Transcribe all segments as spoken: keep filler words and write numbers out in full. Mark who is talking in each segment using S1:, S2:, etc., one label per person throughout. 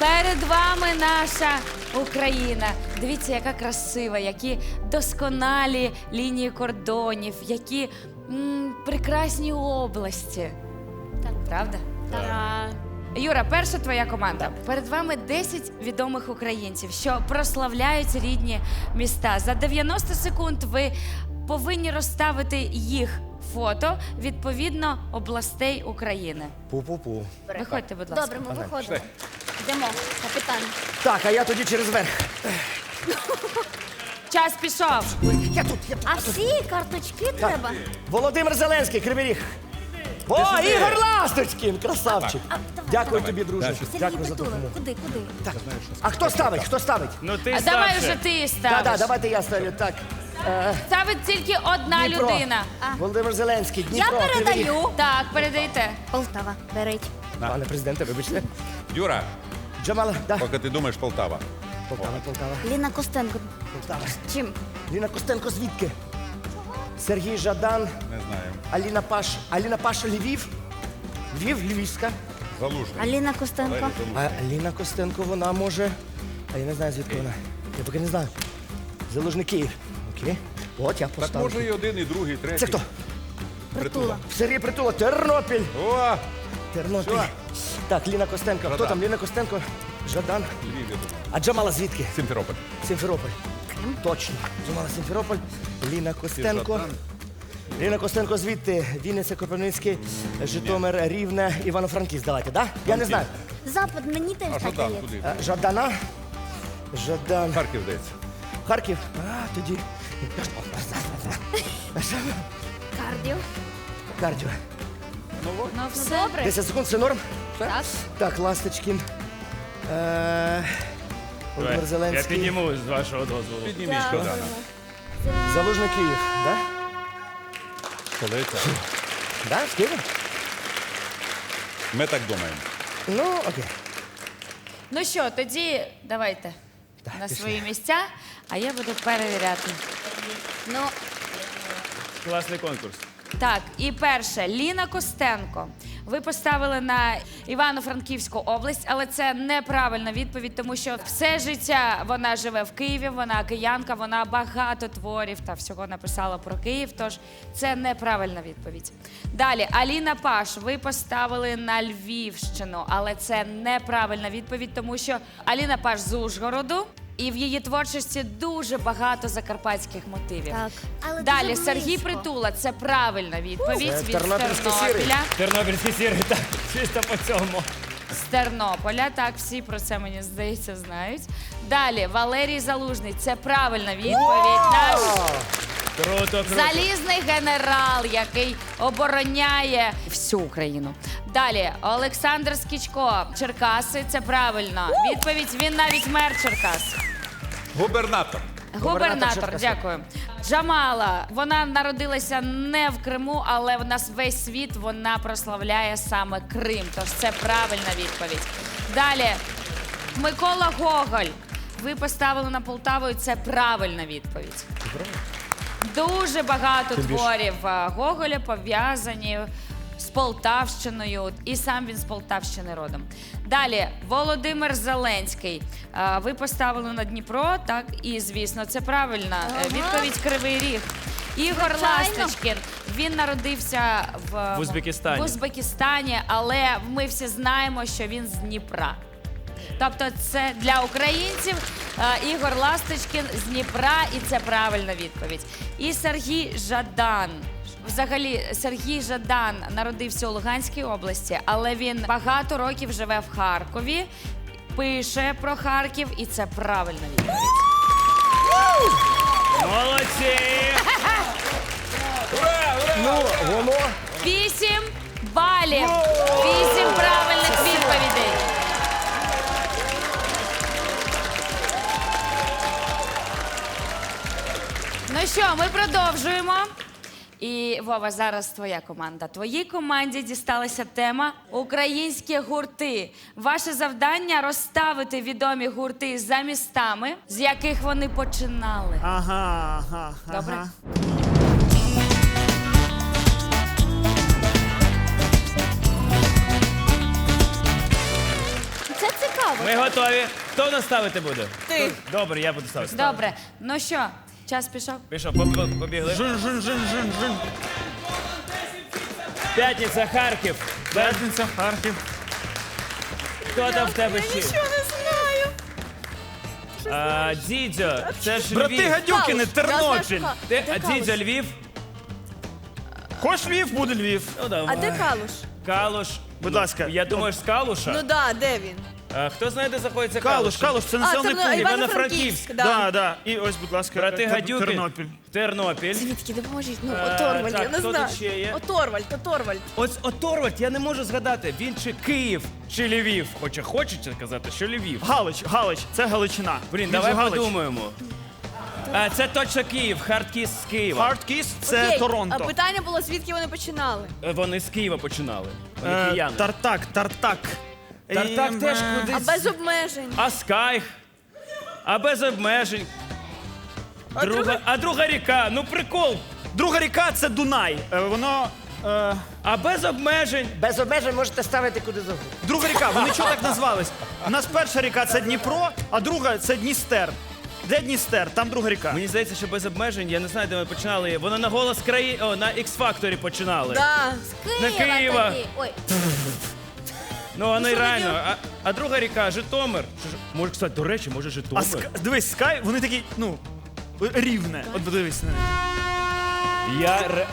S1: Перед вами наша Україна. Дивіться, яка красива, які досконалі лінії кордонів, які м, прекрасні області.
S2: Так.
S1: Правда?
S2: Так.
S1: Юра, перша твоя команда. Перед вами десять відомих українців, що прославляють рідні міста. За дев'яносто секунд ви повинні розставити їх фото відповідно областей України.
S3: Пу-пу-пу.
S1: Виходьте, будь ласка.
S2: Добре, ми виходимо. Йдемо, капітан.
S3: Так, а я тоді через верх.
S1: Час пішов.
S3: Я тут, я тут.
S2: А всі карточки треба?
S3: Володимир Зеленський, Кривий Ріг. О, Ігор Ласточкін, красавчик.
S2: А, давай,
S3: Дякую тобі, друже.
S2: Сергій
S3: Дякую за
S2: Притула.
S3: допомогу.
S2: Куди, куди?
S3: Так. А хто ставить? Хто ставить?
S4: Ну ти
S1: А давай
S4: старше.
S1: вже ти
S3: Так,
S1: ставиш.
S3: так, давайте я ставлю. Так. Е,
S1: Ставить тільки одна
S3: Дніпро.
S1: людина.
S3: Володимир Зеленський,
S2: Я
S3: Дніпро, Кривий Ріг.
S2: передаю.
S1: Так, передайте.
S2: Полтава, беріть.
S3: Пане президенте, вибачте.
S5: Юра,
S3: Джамала, да.
S5: поки ти думаєш, Полтава.
S3: Полтава, Полтава,
S2: Ліна Костенко.
S3: Полтава.
S2: Чим?
S3: Ліна Костенко звідки? Сергій Жадан,
S5: Не знаю.
S3: Аліна Паш. Аліна Паш, Львів. Львів, Львівська.
S5: Залужний.
S2: Аліна Костенко.
S3: А Аліна Костенко, вона може. А я не знаю, звідки вона. Я поки не знаю. Залужний Київ. Окей. От я
S5: Так
S3: поставлю.
S5: може і один, і другий, і третій.
S3: Це хто?
S2: Притула.
S3: Сергій Притула, Тернопіль.
S5: О,
S3: Тернопіль. Так, Ліна Костенко. Хто
S5: Жадан.
S3: там? Ліна Костенко, Жадан.
S5: Львів, я думаю.
S3: А Джамала звідки?
S5: Сімферополь.
S3: Сімферополь. Точно. Джамала Сімферополь. Ліна Костенко.
S5: Жадан.
S3: Ліна Костенко звідти. Вінниця, Кропивницький, Житомир, Рівне, Івано-Франківськ. Давайте, да? Я не знаю.
S2: Запад, мені теж
S5: А що
S2: так
S5: там?
S2: є.
S5: Куди?
S3: Е, Жадана. Жадан.
S5: Харків здається.
S3: Харків. А, тоді.
S2: Кардіо.
S3: Кардіо.
S1: Ну все.
S2: Добре.
S3: десять секунд, це норм?
S2: Так.
S3: Так, Ласточкін. Е, Володимир
S4: Я
S3: Зеленський.
S4: підніму з вашого дозволу.
S5: Підніміть Жадана.
S3: Залужний Київ, да?
S5: Столиця.
S3: Да, з Києва?
S5: Ми так думаємо.
S3: Ну, окей.
S1: Ну що, тоді давайте
S3: Так,
S1: на
S3: пішли.
S1: свої місця, а я буду перевіряти.
S2: Ну,
S4: Класний конкурс.
S1: Так, і перше, Ліна Костенко. Ви поставили на Івано-Франківську область, але це неправильна відповідь, тому що все життя вона живе в Києві, вона киянка, вона багато творів та всього написала про Київ, тож це неправильна відповідь. Далі, Аліна Паш, ви поставили на Львівщину, але це неправильна відповідь, тому що Аліна Паш з Ужгороду, і в її творчості дуже багато закарпатських мотивів.
S2: так. Але
S1: Далі
S2: дуже
S1: Сергій
S2: близько.
S1: Притула, це правильна відповідь
S3: Це
S1: від
S3: тернопільський сірий.
S1: Тернополя.
S4: Тернопільські сіри, так, чисто по цьому.
S1: З Тернополя, так, всі про це, мені здається, знають. Далі Валерій Залужний, це правильна відповідь. Наш
S4: Круто, круто.
S1: залізний генерал, який обороняє всю Україну. Далі Олександр Скічко, Черкаси, це правильно. Відповідь, він навіть мер Черкас.
S5: Губернатор.
S1: Губернатор,
S3: Черкас.
S1: дякую. Джамала, вона народилася не в Криму, але в нас весь світ вона прославляє саме Крим. Тож це правильна відповідь. Далі, Микола Гоголь. Ви поставили на Полтаву, і це правильна відповідь. Дуже багато творів е, Гоголя пов'язані з Полтавщиною, і сам він з Полтавщини родом. Далі, Володимир Зеленський. Е, Ви поставили на Дніпро, так, і, звісно, це правильна е, відповідь Кривий Ріг. Ігор
S2: Звичайно.
S1: Ласточкін, він народився в,
S4: В Узбекистані.
S1: в Узбекистані, але ми всі знаємо, що він з Дніпра. Тобто це для українців е, Ігор Ласточкін з Дніпра, і це правильна відповідь. І Сергій Жадан. Взагалі, Сергій Жадан народився у Луганській області, але він багато років живе в Харкові, пише про Харків, і це правильна відповідь.
S4: Молодці!
S3: Ну, воно.
S1: Вісім балів. Вісім правильних відповідей. Ну що, ми продовжуємо. І, Вова, зараз твоя команда. Твоїй команді дісталася тема «Українські гурти». Ваше завдання – розставити відомі гурти за містами, з яких вони починали.
S4: Ага, ага,
S1: Добре?
S4: ага.
S2: Це цікаво. цікаво.
S4: Ми готові. Хто нас ставити буде?
S6: Ти.
S4: Добре, я буду ставити.
S1: Добре, ну що, час пішов?
S4: Пішов, поб- побігли.
S6: Жин, жин, жин, жин, жин.
S4: П'ятниця, Харків.
S6: П'ятниця, Харків.
S4: Хто там в тебе ще?
S6: Нічого не знаю.
S4: А, Дідьо, це ж
S6: Брати
S4: Львів.
S6: Гадюкіни,
S2: Калуш. Я
S6: Тернопіль.
S2: знаю, що
S4: Ти,
S2: Де
S4: а
S2: Калуш?
S4: Дідьо Львів?
S6: Хоч Львів, буде Львів.
S4: Ну,
S2: А
S4: давай.
S2: де Калуш?
S4: Калуш.
S6: Будь
S4: Ну,
S6: ласка.
S4: Я думаю, з Калуша.
S6: Ну
S7: Да, де він?
S4: А, хто знає, де знаходиться
S6: Калуш,
S4: Калуш?
S6: Калуш, це
S7: А,
S6: населений
S7: Терно-
S6: пункт.
S7: Івано-Франківськ, да.
S6: Да, да. І ось, будь ласка,
S4: Брати
S6: Тер-
S4: Гадюки.
S6: Тернопіль.
S4: Тернопіль.
S7: Звідки, допоможіть? Ну,
S4: Е,
S7: Оторвальд,
S4: так,
S7: я не
S4: хто
S7: знаю.
S4: тут ще є?
S7: Оторвальд, Оторвальд.
S4: Ось Оторвальд, я не можу згадати, він чи Київ, чи Львів. Хоча хочеться казати, що Львів.
S6: Галич, Галич, це Галичина.
S4: Блін,
S6: Він
S4: давай
S6: же Галич.
S4: подумаємо. А, це точно Київ, Хардкіс з Києва.
S6: Hardkiss – це
S7: Окей,
S6: Торонто.
S7: А питання було, звідки вони починали?
S4: Е, Вони з Києва починали. Вони
S6: Е,
S4: кияни.
S6: Тартак, Тартак.
S4: Тартак
S6: І,
S4: теж
S6: е,
S7: А
S4: кудись.
S7: без обмежень.
S4: А Скайх. А без обмежень.
S7: А
S4: Друга,
S7: друга-
S4: а друга ріка, ну прикол.
S6: Друга ріка – це Дунай. Е, Воно... е,
S4: А без обмежень.
S3: Без обмежень можете ставити куди завгодно.
S6: Друга ріка, вони чого так назвались? У нас перша ріка – це Дніпро, а друга – це Дністер. Де Дністер? Там друга ріка.
S4: Мені здається, що без обмежень, я не знаю, де ми починали. Воно на голос краї, о, на X-Factor починали.
S7: Да.
S1: З
S4: На Києва.
S1: тоді. Ой,
S4: Ну, воно і
S7: що
S4: реально.
S7: тоді?
S4: А, а друга ріка, Житомир. Чи ж- Може, кстати, до речі, може
S6: А
S4: Житомир.
S6: ска... дивись, Скай, вони такі, ну, рівне. От подивись на них.
S4: Я ре...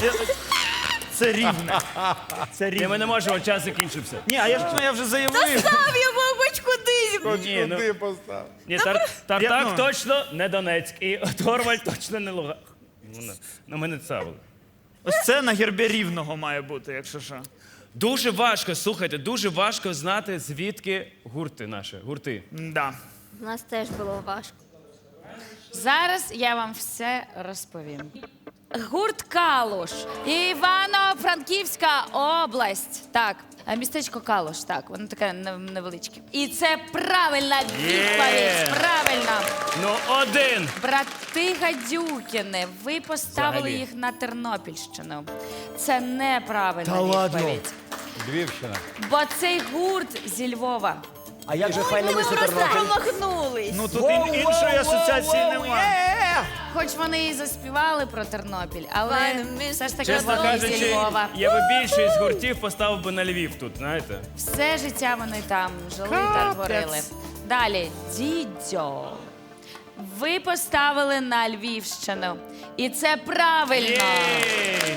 S6: Це рівне. Це
S4: Ні, ми
S6: рівне.
S4: не можемо, час закінчився.
S6: Ні, а я ж, ну, я вже заявив.
S7: Став я, мабуть, кудись.
S4: Ні, ну,
S5: Куди постав?
S4: ні, тар, Тартак
S6: Я, ну.
S4: точно не Донецьк, і Торвальд точно не Луганськ. Ну, не- Ну, ми не цавили.
S6: Ось це на гербі рівного має бути, якщо що.
S4: Дуже важко, слухайте, дуже важко знати, звідки гурти наші, гурти.
S6: Да.
S2: У нас теж було важко.
S1: зараз я вам все розповім. Гурт Калуш, Івано-Франківська область. Так, а містечко Калуш, так, воно таке нев- невеличке. І це правильна відповідь. Правильно.
S4: Ну, один.
S1: Брати Гадюкіни, ви поставили
S4: Взагалі.
S1: їх на Тернопільщину. Це неправильна
S3: Та ладно?
S1: відповідь.
S5: Львівщина.
S1: Бо цей гурт зі Львова.
S3: А як же файно
S7: Ми
S3: мисло
S7: просто
S3: Тернопіль?
S7: промахнулись.
S6: Ну тут ін- іншої асоціації немає.
S1: Хоч вони і заспівали про Тернопіль, але
S7: Файно, ми-
S1: все ж таки
S4: Чесно
S1: вони зі
S4: кажучи,
S1: Львова.
S4: я би більшість гуртів поставив би на Львів тут, знаєте?
S1: Все життя вони там жили та творили. Далі, Дідьо. Ви поставили на Львівщину. І це правильно.
S4: Єй!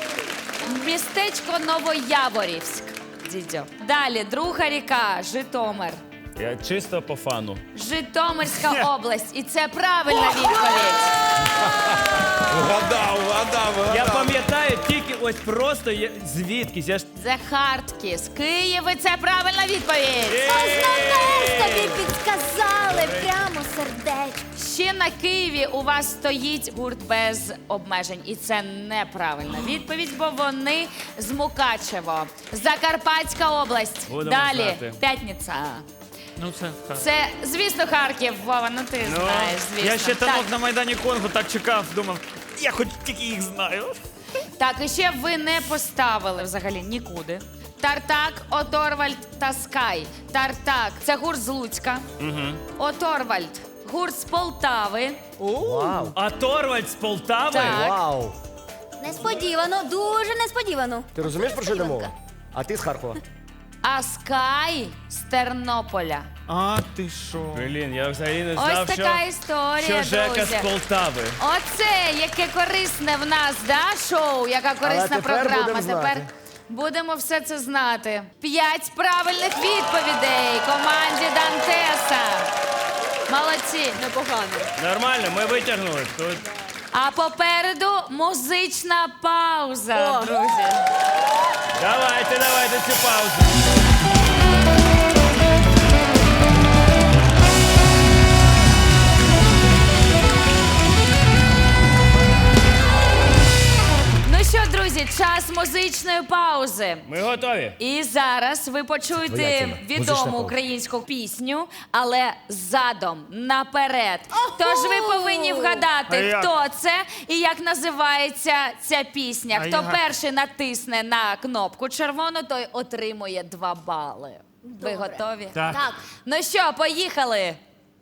S1: Містечко Новояворівськ. Дідьо. Далі, друга ріка, Житомир.
S4: Я чисто по фану.
S1: Житомирська область. І це правильна відповідь.
S5: Вгадав, вгадав, вгадав.
S4: Я пам'ятаю тільки ось просто я, звідкись. Я ж
S1: The Hardkiss. Київ, і це правильна відповідь.
S2: Знаєш, тобі підказали прямо сердечко.
S1: Ще на Києві у вас стоїть гурт без обмежень. І це неправильна відповідь, бо вони з Мукачево. Закарпатська область.
S4: Будемо
S1: Далі,
S4: знати.
S1: П'ятниця.
S6: Ну це так.
S1: Це, звісно, Харків, Вова, ну ти
S4: Ну,
S1: знаєш, звісно.
S6: Я ще
S1: так,
S6: танок на Майдані Конго так чекав, думав, я хоч тільки їх знаю.
S1: так, і ще ви не поставили взагалі нікуди. Тартак, Оторвальд та Скай. Тартак – це гурт з Луцька. Оторвальд – гурт з Полтави.
S3: Вау.
S4: А Торвальд з Полтави?
S1: Так.
S3: Вау.
S2: Несподівано, дуже несподівано.
S3: Ти розумієш, про що йде мова? А ти з Харкова.
S1: А Скай з Тернополя.
S6: А ти що?
S4: Блін, я взагалі не
S1: Ось
S4: знав,
S1: така
S4: що,
S1: історія,
S4: що Жека
S1: друзі.
S4: з Полтави.
S1: Оце яке корисне в нас, да, шоу, яка корисна
S3: тепер
S1: програма.
S3: будемо знати.
S1: Тепер будемо все це знати. П'ять правильних відповідей команді Дантеса. Молодці.
S7: Непогано.
S4: Нормально, ми витягнули. Тут
S1: А попереду музична пауза,
S7: О.
S1: друзі.
S4: давайте, давайте цю паузу.
S1: Ну що, друзі, час музичної паузи.
S4: Ми готові.
S1: І зараз ви
S3: Твоя
S1: почуєте
S3: тема. Музична
S1: відому
S3: пауза.
S1: українську пісню, але задом, наперед. Тож ви повинні
S6: А
S1: вгадати,
S6: як?
S1: хто це і як називається ця пісня.
S6: А
S1: Хто
S6: як?
S1: перший натисне на кнопку червону, той отримує два бали. Ви
S2: Добре.
S1: готові?
S6: Так.
S2: Так.
S1: Ну що, поїхали!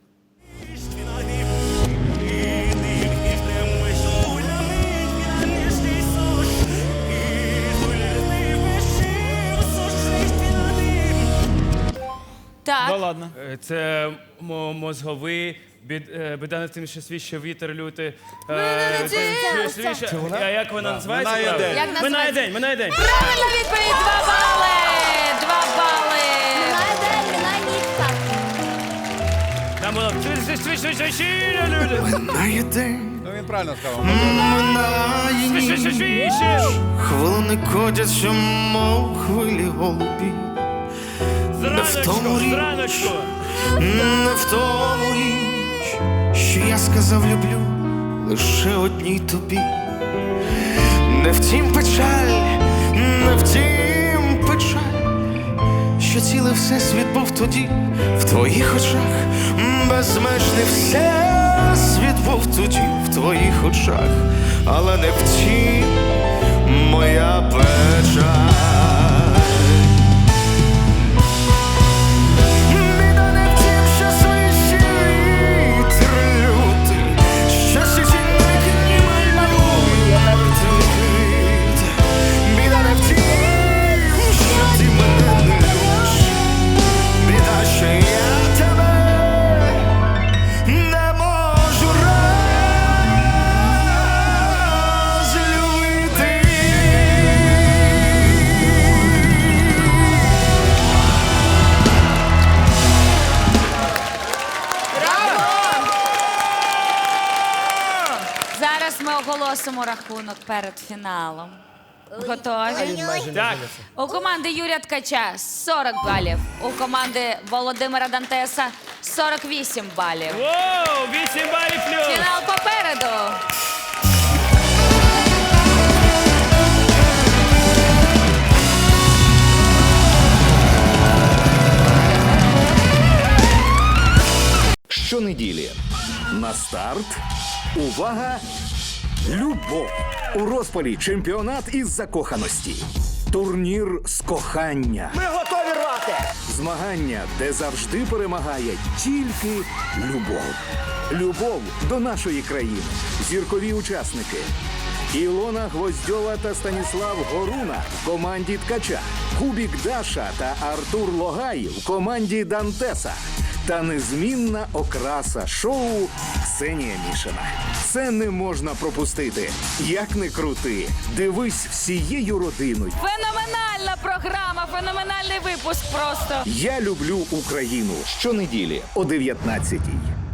S1: Так,
S6: Да ладно.
S4: Е, Це мо- мозговий, бід, е, біда над тим, що свіще вітер лютий. Е,
S2: це-
S4: це-
S2: це-
S4: свіще-
S3: Це вона?
S4: А як вона називається?
S5: «Минає
S4: правильно?
S5: день».
S1: Як
S4: Минає
S1: називається?
S4: день, минає день.
S1: Правильна відповідь! Два бали! Два бали!
S2: Минає день, минає ніч, так.
S4: Там було швидше, швидше, швидше, швидше,
S8: Минає день,
S5: Ну він правильно сказав.
S8: минає
S4: швидше,
S8: ніч,
S4: швидше.
S8: хвилини котяться, мов хвилі голубі.
S4: Зраночку,
S8: тому річ.
S4: зраночку.
S8: Не в тому річ, що я сказав люблю лише одній тобі. Не втім печаль, не втім печаль, що цілий всесвіт був тоді в твоїх очах. Безмежний всесвіт був тоді в твоїх очах, але не втім моя печаль. Біда не в тім, що свище вітер лютий, що січеньник ніби малює твіт. Біда не в тім, що ти мене не любиш, біда, що я тебе не можу розлюбити.
S1: Зараз ми оголосимо рахунок перед фіналом. Готові?
S4: Так,
S1: У команди Юрія Ткача сорок балів. У команди Володимира Дантеса сорок вісім балів.
S4: воу, вісім балів плюс.
S1: Фінал попереду.
S9: Щонеділі на старт. Увага! Любов! У розпалі чемпіонат із закоханості. Турнір з кохання.
S3: Ми готові рвати!
S9: Змагання, де завжди перемагає тільки любов. Любов до нашої країни. Зіркові учасники. Ілона Гвоздьова та Станіслав Горуна в команді Ткача. Кубік Даша та Артур Логай в команді Дантеса. Та незмінна окраса шоу Ксенія Мішина. Це не можна пропустити. Як не крути, дивись всією родиною.
S1: Феноменальна програма, феноменальний випуск просто.
S9: Я люблю Україну. Щонеділі о дев'ятнадцятій.